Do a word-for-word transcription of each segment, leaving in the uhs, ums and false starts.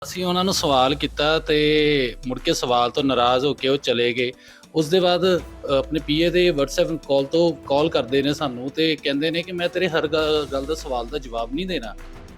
ਅਸੀਂ ਉਹਨਾਂ ਨੂੰ ਸਵਾਲ ਕੀਤਾ ਤੇ ਮੁੜ ਕੇ ਸਵਾਲ ਤੋਂ ਨਾਰਾਜ਼ ਹੋ ਕੇ ਉਹ ਚਲੇ ਗਏ। ਉਸ ਦੇ ਬਾਅਦ ਅ, ਆਪਣੇ ਪੀਏ ਦੇ WhatsApp ਕਾਲ ਤੋਂ ਕਾਲ ਕਰਦੇ ਨੇ ਸਾਨੂੰ ਤੇ ਕਹਿੰਦੇ ਨੇ ਕਿ ਮੈਂ ਤੇਰੇ ਹਰ ਗ- ਗੱਲ ਦਾ ਸਵਾਲ ਦਾ ਜਵਾਬ ਨਹੀਂ ਦੇਣਾ।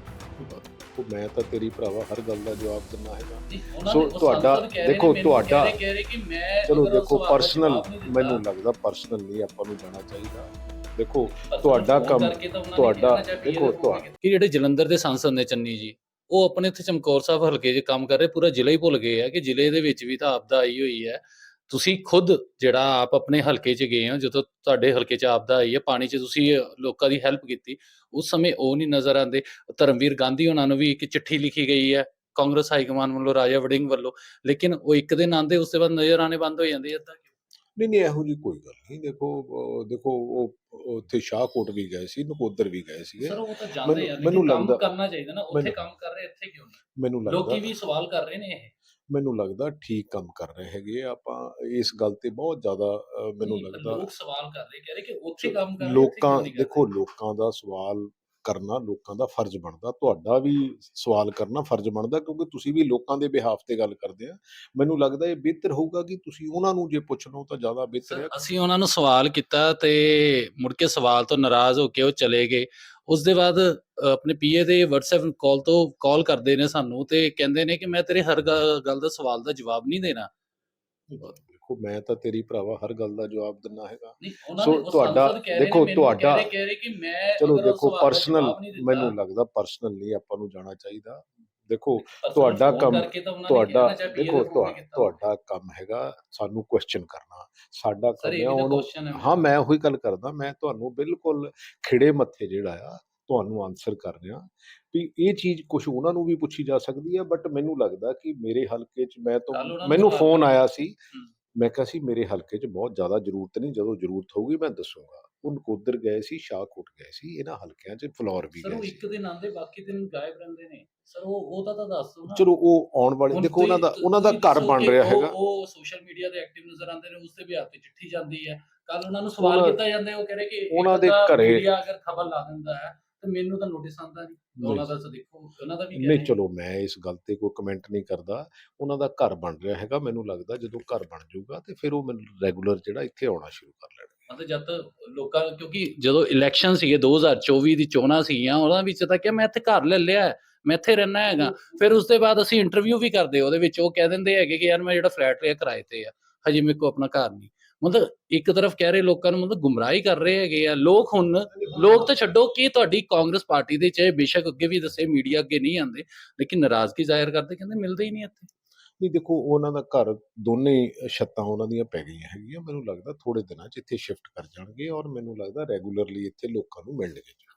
ਉਹ ਮੈਂ ਤਾਂ ਤੇਰੀ ਭਰਾਵਾ ਹਰ ਗੱਲ ਦਾ ਜਵਾਬ ਦਿੰਦਾ ਹੈਗਾ। ਉਹਨਾਂ ਸੋ ਨੇ- ਉਹ ਤੁਹਾਡਾ ਸਾਨੂੰ ਕਹਿ ਰਹੇ ਨੇ, ਦੇਖੋ ਮੈਨੂੰ ਤੁਹਾਡਾ ਕਹਿ ਰਹੇ- ਕਹਿ ਰਹੇ ਕਿ ਮੈਂ ਚਲੋ ਅਗਰ ਉਹ ਦੇਖੋ ਸਵਾਲ ਦਾ ਪਰਸਨਲ ਜਵਾਬ ਨਹੀਂ ਦਿੱਤਾ, ਮੈਨੂੰ ਲੱਗਦਾ ਪਰਸਨਲ ਨਹੀਂ ਆਪਾਂ ਨੂੰ ਜਾਣਾ ਚਾਹੀਦਾ। ਦੇਖੋ ਪਰ ਤੁਹਾਡਾ ਫੋਨ ਕੰਮ ਕਰਕੇ ਤਾਂ ਉਹਨਾਂ ਨੇ ਤੁਹਾਡਾ ਕਹਿਣਾ ਜਾਂ P A ਦੇਖੋ ਦੇ ਫੋਨ ਤੁਹਾ- ਕਿ ਜਿਹੜੇ ਜਲੰਧਰ ਦੇ ਸੰਸਦ ਨੇ ਚੰਨੀ ਜੀ, ਉਹ ਆਪਣੇ ਇੱਥੇ ਚਮਕੌਰ ਸਾਹਿਬ ਹਲਕੇ 'ਚ ਕੰਮ ਕਰ ਰਹੇ, ਪੂਰਾ ਜ਼ਿਲ੍ਹਾ ਹੀ ਭੁੱਲ ਗਏ ਆ ਕਿ ਜ਼ਿਲ੍ਹੇ ਦੇ ਵਿੱਚ ਵੀ ਤਾਂ ਆਪਦਾ ਆਈ ਹੋਈ ਹੈ। ਤੁਸੀਂ ਖੁਦ ਜਿਹੜਾ ਆਪ ਆਪਣੇ ਹਲਕੇ 'ਚ ਗਏ ਹੋ, ਜਦੋਂ ਤੁਹਾਡੇ ਹਲਕੇ 'ਚ ਆਪਦਾ ਆਈ ਹੈ, ਪਾਣੀ 'ਚ ਤੁਸੀਂ ਲੋਕਾਂ ਦੀ ਹੈਲਪ ਕੀਤੀ, ਉਸ ਸਮੇਂ ਉਹ ਨਹੀਂ ਨਜ਼ਰ ਆਉਂਦੇ। ਧਰਮਵੀਰ ਗਾਂਧੀ ਉਹਨਾਂ ਨੂੰ ਵੀ ਇੱਕ ਚਿੱਠੀ ਲਿਖੀ ਗਈ ਹੈ ਕਾਂਗਰਸ ਹਾਈਕਮਾਨ ਵੱਲੋਂ, ਰਾਜਾ ਵੜਿੰਗ ਵੱਲੋਂ, ਲੇਕਿਨ ਉਹ ਇੱਕ ਦਿਨ ਆਉਂਦੇ, ਉਸ ਤੋਂ ਬਾਅਦ ਨਜ਼ਰ ਆਣੇ ਬੰਦ ਹੋ ਜਾਂਦੇ। ਏਦਾਂ ਕਿਉਂ? ਨਹੀਂ ਨਹੀਂ ਇਹੋ ਜੀ ਕੋਈ ਗੱਲ ਨਹੀਂ। ਦੇਖੋ ਅਹ ਦੇਖੋ ਉਹ ਉਹ ਉੱਥੇ ਸ਼ਾਹਕੋਟ ਵੀ ਗਏ ਸੀ, ਨਕੋਦਰ ਵੀ ਗਏ ਸੀਗੇ। ਸਰ ਉਹ ਤਾਂ ਜਾਂਦੇ ਮੈਨੂੰ ਆ, ਮੈਨੂੰ ਲੇਕਿਨ ਕੰਮ ਲੱਗਦਾ ਕਰਨਾ ਚਾਹੀਦਾ ਨਾ। ਉੱਥੇ ਮੈਨੂੰ ਕੰਮ ਕਰ ਰਹੇ, ਇੱਥੇ ਕਿਉਂ ਨਹੀਂ? ਮੈਨੂੰ ਲੱਗਦਾ ਲੋਕੀ ਵੀ ਸਵਾਲ ਕਰ ਰਹੇ ਨੇ ਇਹ। ਮੈਨੂੰ ਲੱਗਦਾ ਠੀਕ ਕੰਮ ਕਰ ਰਹੇ ਹੈਗੇ ਆ। ਆਪਾਂ ਇਸ ਗੱਲ ਤੇ ਬਹੁਤ ਜ਼ਿਆਦਾ ਅਹ, ਮੈਨੂੰ ਨਹੀਂ, ਪਰ ਲੱਗਦਾ ਲੋਕ ਸਵਾਲ ਕਰ ਰਹੇ, ਕਹਿ ਰਹੇ ਕਿ ਉੱਥੇ ਕੰਮ ਕਰ ਰਹੇ, ਇੱਥੇ ਲੋਕਾਂ ਕਿਉਂ ਨਹੀਂ ਕਰ ਰਹੇ? ਦੇਖੋ ਲੋਕਾਂ ਦਾ ਸਵਾਲ ਕਰਨਾ ਲੋਕਾਂ ਦਾ ਫਰਜ਼ ਬਣਦਾ। ਤੁਹਾਡਾ ਵੀ ਸਵਾਲ ਕਰਨਾ ਫਰਜ਼ ਬਣਦਾ, ਕਿਉਂਕਿ ਤੁਸੀਂ ਵੀ ਲੋਕਾਂ ਦੇ ਬਿਹਾਫ ਤੇ ਗੱਲ ਕਰਦੇ ਆ। ਮੈਨੂੰ ਲੱਗਦਾ ਇਹ ਬਿਹਤਰ ਹੋਊਗਾ ਕਿ ਤੁਸੀਂ ਉਹਨਾਂ ਨੂੰ ਜੇ ਪੁੱਛ ਲਓ ਤਾਂ ਜ਼ਿਆਦਾ ਬਿਹਤਰ ਸਰ ਹੈ। ਅਸੀਂ ਉਹਨਾਂ ਨੂੰ ਸਵਾਲ ਕੀਤਾ ਤੇ ਮੁੜ ਕੇ ਸਵਾਲ ਤੋਂ ਨਾਰਾਜ਼ ਹੋ ਕੇ ਉਹ ਚਲੇ ਗਏ। ਉਸ ਦੇ ਬਾਅਦ ਅ, ਆਪਣੇ ਪੀਏ ਦੇ WhatsApp ਕਾਲ ਤੋਂ ਕਾਲ ਕਰਦੇ ਨੇ ਸਾਨੂੰ ਤੇ ਕਹਿੰਦੇ ਨੇ ਕਿ ਮੈਂ ਤੇਰੇ ਹਰ ਗ- ਗੱਲ ਦਾ ਸਵਾਲ ਦਾ ਜਵਾਬ ਨਹੀਂ ਦੇਣਾ। ਦੇਖੋ ਮੈਂ ਤਾਂ ਤੇਰੀ ਭਰਾਵਾ ਹਰ ਗੱਲ ਦਾ ਜਵਾਬ ਦਿੰਦਾ ਹੈਗਾ। ਨਹੀਂ, ਉਹਨਾਂ ਸੋ ਨੇ ਉਹ ਤੁਹਾਡਾ ਸੰਸਦ ਕਹਿ ਰਹੇ ਨੇ, ਦੇਖੋ ਮੈਨੂੰ ਕਹਿ ਤੁਹਾਡਾ ਰਹੇ ਕਹਿ ਰਹੇ ਕਿ ਮੈਂ ਚਲੋ ਅਗਰ ਉਹ ਦੇਖੋ ਸਵਾਲ ਦਾ ਪਰਸਨਲ ਜਵਾਬ ਨਹੀਂ ਦਿੱਤਾ। ਮੈਨੂੰ ਲੱਗਦਾ ਪਰਸਨਲ ਨਹੀਂ ਆਪਾਂ ਨੂੰ ਜਾਣਾ ਚਾਹੀਦਾ। ਦੇਖੋ ਪਰ ਤੁਹਾਡਾ ਫੋਨ ਕੰਮ ਕਰਕੇ ਤਾਂ ਉਹਨਾਂ ਨੇ ਤੁਹਾਡਾ ਕਹਿਣਾ ਜਾਂ P A ਦੇ ਦੇਖੋ ਫੋਨ ਤੁਹਾ- ਤੇ ਕੀਤਾ ਹੋਵੇ। ਤੁਹਾਡਾ ਕੰਮ ਹੈਗਾ ਸਾਨੂੰ ਕੁਐਸਚਨ ਕਰਨਾ। ਸਾਡਾ ਸਰ ਕੰਮ ਇਹ ਆ ਵੀ ਤਾਂ ਉਹਨੂੰ ਕੁਐਸਚਨ ਹੈ ਹਾਂ ਮੇਰਾ। ਮੈਂ ਉਹੀ ਗੱਲ ਕਰਦਾ। ਮੈਂ ਤੁਹਾਨੂੰ ਬਿਲਕੁਲ ਖਿੜੇ ਮੱਥੇ ਜਿਹੜਾ ਆ ਤੁਹਾਨੂੰ ਆਨਸਰ ਕਰ ਰਿਹਾ ਵੀ ਇਹ ਚੀਜ਼ ਕੁਝ ਉਹਨਾਂ ਨੂੰ ਵੀ ਪੁੱਛੀ ਜਾ ਸਕਦੀ ਹੈ। ਬਟ ਮੈਨੂੰ ਲੱਗਦਾ ਕਿ ਮੇਰੇ ਹਲਕੇ 'ਚ ਮੈਂ ਤਾਂ ਕੱਲ ਉਹਨਾਂ ਨੂੰ ਮੈਨੂੰ ਤਾਂ ਫੋਨ ਕਰ ਆਇਆ ਸੀ। ਹੂੰ। ਮੈਂ ਕਿਹਾ ਸੀ ਮੇਰੇ ਹਲਕੇ 'ਚ ਬਹੁਤ ਜ਼ਿਆਦਾ ਜ਼ਰੂਰਤ ਨਹੀਂ, ਜਦੋਂ ਜ਼ਰੂਰਤ ਹੋਊਗੀ ਮੈਂ ਦੱਸੂਗਾ। ਉਹ ਨਕੋਦਰ ਗਏ ਸੀ, ਸ਼ਾਹਕੋਟ ਗਏ ਸੀ, ਇਹਨਾਂ ਹਲਕਿਆਂ 'ਚ ਫਲੋਰ ਵੀ ਸਰ ਗਏ ਉਹ ਸੀ। ਇੱਕ ਦਿਨ ਆਉਂਦੇ, ਬਾਕੀ ਦਿਨ ਗਾਇਬ ਰਹਿੰਦੇ ਨੇ। ਸਰ ਉਹ ਉਹ ਤਾਂ ਤਾਂ ਦੱਸ ਦਿਓ ਨਾ। ਚਲੋ ਉਹ ਆਉਣ ਵਾਲੇ ਹੁਣ ਦੇਖੋ ਉਹਨਾਂ ਦਾ ਤੁਸੀਂ ਉਹਨਾਂ ਦਾ ਤੁਸੀਂ ਘਰ ਦੱਸੋ ਬਣ ਕਿ ਰਿਹਾ ਉਹ ਹੈਗਾ। ਉਹ ਸੋਸ਼ਲ ਮੀਡੀਆ ਤੇ ਐਕਟਿਵ ਨਜ਼ਰ ਆਉਂਦੇ ਨੇ, ਉਸ ਦੇ ਵੀ ਹੱਥ ਤੇ ਚਿੱਠੀ ਜਾਂਦੀ ਹੈ। ਕੱਲ ਉਹਨਾਂ ਨੂੰ ਸਵਾਲ ਉਹਨਾਂ ਕੀਤਾ ਜਾਂਦਾ ਹੈ, ਉਹ ਕਹ ਰਹੇ ਕਿ ਇੱਕ ਉਹਨਾਂ ਦੇ ਅੱਧਾ ਘਰੇ ਮੀਡੀਆ ਅਗਰ ਖਬਰ ਲਾ ਦਿੰਦਾ ਹੈ ਤੇ ਮੈਨੂੰ ਤਾਂ ਨੋਟਿਸ ਆਉਂਦਾ ਨਹੀਂ। ਉਹਨਾਂ ਦਾ ਤਾਂ ਦੇਖੋ, ਉਹਨਾਂ ਦਾ ਵੀ ਕਹਿ ਨਹੀਂ ਰਹੇ ਚਲੋ ਮੈਂ ਇਸ ਗੱਲ ਤੇ ਕੋਈ ਕਮੈਂਟ ਨਹੀਂ ਕਰਦਾ। ਉਹਨਾਂ ਦਾ ਘਰ ਬਣ ਰਿਹਾ ਹੈਗਾ। ਮੈਨੂੰ ਲੱਗਦਾ ਜਦੋਂ ਘਰ ਬਣ ਜਾਊਗਾ ਤੇ ਫਿਰ ਉਹ ਮੈਨੂੰ ਰੈਗੂਲਰ ਜਿਹੜਾ ਇੱਥੇ ਆਉਣਾ ਸ਼ੁਰੂ ਕਰ ਲੈਣਗੇ। ਮਤਲਬ ਜਦ ਤੱਕ ਲੋਕਾਂ, ਕਿਉਂਕਿ ਜਦੋਂ ਇਲੈਕਸ਼ਨ ਸੀਗੇ ਦੋ ਹਜ਼ਾਰ ਚੌਵੀ ਦੀ ਚੋਣਾਂ ਸੀਗੀਆਂ, ਉਹਨਾਂ ਵਿੱਚ ਤਾਂ ਕਿ ਮੈਂ ਇੱਥੇ ਘਰ ਲੈ ਲਿਆ ਹੈ, ਮੈਂ ਇੱਥੇ ਰਹਿਣਾ ਹੈਗਾ। ਫਿਰ ਉਸ ਤੋਂ ਬਾਅਦ ਅਸੀਂ ਇੰਟਰਵਿਊ ਵੀ ਕਰਦੇ, ਉਹਦੇ ਵਿੱਚ ਉਹ ਕਹਿ ਦਿੰਦੇ ਹੈਗੇ ਕਿ ਯਾਰ ਮੈਂ ਜਿਹੜਾ ਫਲੈਟ ਲਿਆ ਕਿਰਾਏ ਤੇ ਆ, ਹਜੇ ਮੇਰੇ ਕੋਲ ਆਪਣਾ ਘਰ ਨਹੀਂ। ਮਤਲਬ ਇੱਕ ਤਰਫ ਕਹਿ ਰਹੇ ਲੋਕਾਂ ਨੂੰ, ਮਤਲਬ ਗੁੰਮਰਾਹੀ ਕਰ ਰਹੇ ਹੈਗੇ ਆ ਲੋਕ। ਹੁਣ ਲੋਕ ਤਾਂ ਛੱਡੋ ਕਿ ਤੁਹਾਡੀ ਕਾਂਗਰਸ ਪਾਰਟੀ ਦੇ ਚਾਹੇ ਬੇਸ਼ੱਕ ਅੱਗੇ ਵੀ ਦੱਸੇ ਮੀਡੀਆ ਅੱਗੇ ਨਹੀਂ ਆਉਂਦੇ, ਲੇਕਿਨ ਨਾਰਾਜ਼ਗੀ ਜ਼ਾਹਿਰ ਕਰਦੇ, ਕਹਿੰਦੇ ਮਿਲਦੇ ਹੀ ਨਹੀਂ ਇੱਥੇ। ਨਹੀਂ ਦੇਖੋ ਉਹਨਾਂ ਦਾ ਘਰ ਦੋਨੇ ਛੱਤਾਂ ਉਹਨਾਂ ਦੀਆਂ ਪੈ ਗਈਆਂ ਹੈਗੀਆਂ। ਮੈਨੂੰ ਲੱਗਦਾ ਥੋੜੇ ਦਿਨਾਂ 'ਚ ਇੱਥੇ ਸ਼ਿਫਟ ਕਰ ਜਾਣਗੇ ਔਰ ਮੈਨੂੰ ਲੱਗਦਾ ਰੈਗੂਲਰਲੀ ਇੱਥੇ ਲੋਕਾਂ ਨੂੰ ਮਿਲਣਗੇ।